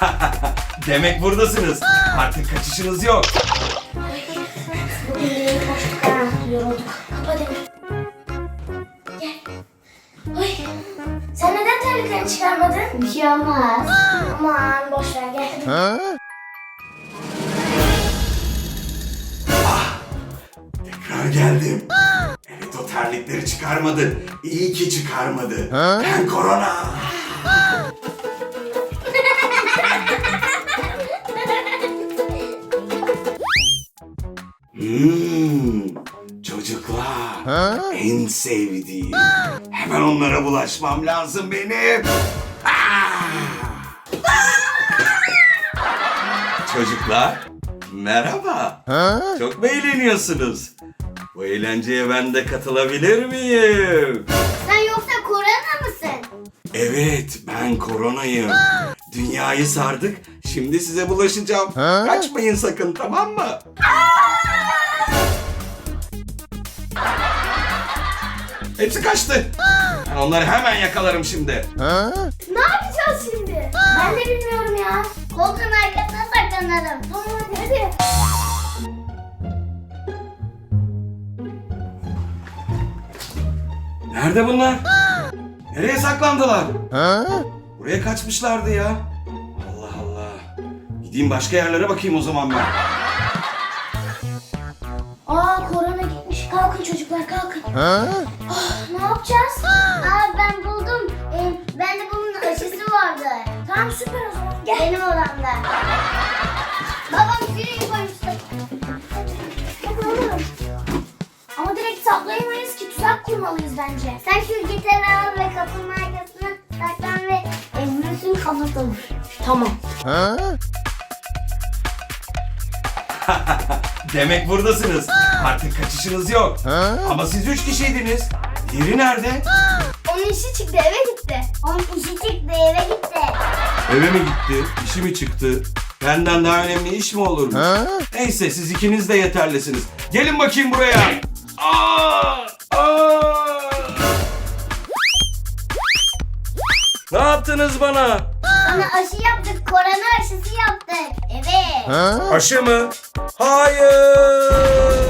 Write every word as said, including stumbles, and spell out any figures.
Demek buradasınız. Artık kaçışınız yok. Bugün yine koştuk ha. Yorulduk. Kapa Demir. Gel. Oy. Sen neden terliklerini çıkarmadın? Bir şey olmaz. Aman boş ver gel. Tekrar geldim. Evet, o terlikleri çıkarmadı. İyi ki çıkarmadı. Ben korona. Hmm, çocuklar en sevdiğim. Hemen onlara bulaşmam lazım benim. Ah! Çocuklar merhaba. Çok mu eğleniyorsunuz? Bu eğlenceye ben de katılabilir miyim? Sen yoksa korona mısın? Evet, ben koronayım. Dünyayı sardık. Şimdi size bulaşacağım. Kaçmayın sakın, tamam mı? Hepsi kaçtı. Ben onları hemen yakalarım şimdi. Ne yapacağız şimdi? Ben de bilmiyorum ya. Koltuğun arkasına saklanalım. Tamam hadi hadi. Nerede bunlar? Nereye saklandılar? Buraya kaçmışlardı ya. Allah Allah. Gideyim başka yerlere bakayım o zaman ben. Aa korona gitmiş. Kalkın çocuklar kalkın. Oh, ne yapacağız? Aa ben buldum. Ee, bende bunun aşısı vardı. Tamam süper o zaman. Gel. Benim odamda. Babam şuraya koymuştu. Hadi alalım. Ama direkt saklayamayız ki, tuzak kurmalıyız bence. Sen şu gitarı al ve kapının arkasına saklan ve Emre'sin kafasına vur. Tamam. Demek buradasınız. Artık kaçışınız yok. Ama siz üç kişiydiniz. Diğeri nerede? Onun işi çıktı eve gitti. Onun işi çıktı eve gitti. Eve mi gitti? İşi mi çıktı? Benden daha önemli iş mi olurmuş? Neyse, siz ikiniz de yeterlisiniz. Gelin bakayım buraya. Aa! Aa! Ne yaptınız bana? Sana aşı yaptık. Korona aşısı yaptık. Evet. Aşı mı? Hayır!